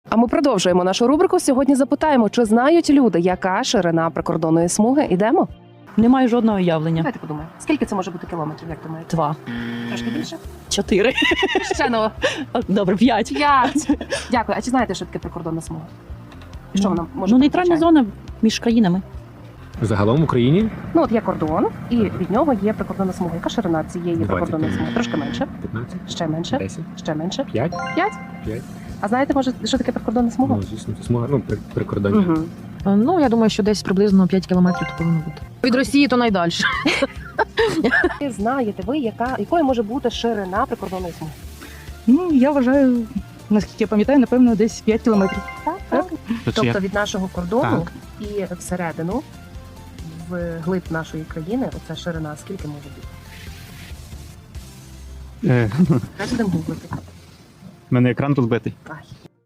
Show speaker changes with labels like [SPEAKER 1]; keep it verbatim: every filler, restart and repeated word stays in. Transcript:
[SPEAKER 1] А ми продовжуємо нашу рубрику. Сьогодні запитаємо, чи знають люди, яка ширина прикордонної смуги. Ідемо?
[SPEAKER 2] Немає жодного уявлення.
[SPEAKER 1] Давайте подумаємо. Скільки це може бути кілометрів, як думаєте?
[SPEAKER 2] Два.
[SPEAKER 1] Трошки більше?
[SPEAKER 2] Чотири.
[SPEAKER 1] Ще ну.
[SPEAKER 2] Добре, п'ять.
[SPEAKER 1] П'ять. Дякую. А чи знаєте, що таке прикордонна смуга? Що вона може
[SPEAKER 2] Ну,
[SPEAKER 1] бути
[SPEAKER 2] нейтральна
[SPEAKER 1] означає?
[SPEAKER 2] зона між країнами.
[SPEAKER 3] Загалом в Україні
[SPEAKER 1] Ну, от є кордон, і від нього є прикордонна смуга. Яка ширина цієї
[SPEAKER 3] двадцять.
[SPEAKER 1] прикордонної смуги? Трошки менше,
[SPEAKER 3] п'ятнадцять,
[SPEAKER 1] ще менше,
[SPEAKER 3] десять,
[SPEAKER 1] ще менше.
[SPEAKER 3] п'ять,
[SPEAKER 1] П'ять?
[SPEAKER 3] п'ять.
[SPEAKER 1] А знаєте, може, що таке прикордонна смуга?
[SPEAKER 3] Ну, звісно, це смуга, ну, при- прикордоння.
[SPEAKER 1] Угу.
[SPEAKER 4] Ну, я думаю, що десь приблизно п'ять кілометрів то повинно бути. Від Росії то найдальше.
[SPEAKER 1] Знаєте ви, яка, якою може бути ширина прикордонної смуги?
[SPEAKER 5] Ну, я вважаю, наскільки я пам'ятаю, напевно, десь п'ять кілометрів.
[SPEAKER 1] Так, так.
[SPEAKER 3] То чи
[SPEAKER 1] Тобто від нашого кордону
[SPEAKER 3] Так.
[SPEAKER 1] і всередину, в глиб нашої країни, оця ширина скільки може бути?
[SPEAKER 6] Е,
[SPEAKER 1] Зараз будемо гуглити.
[SPEAKER 6] в мене екран розбитий.
[SPEAKER 1] Ай,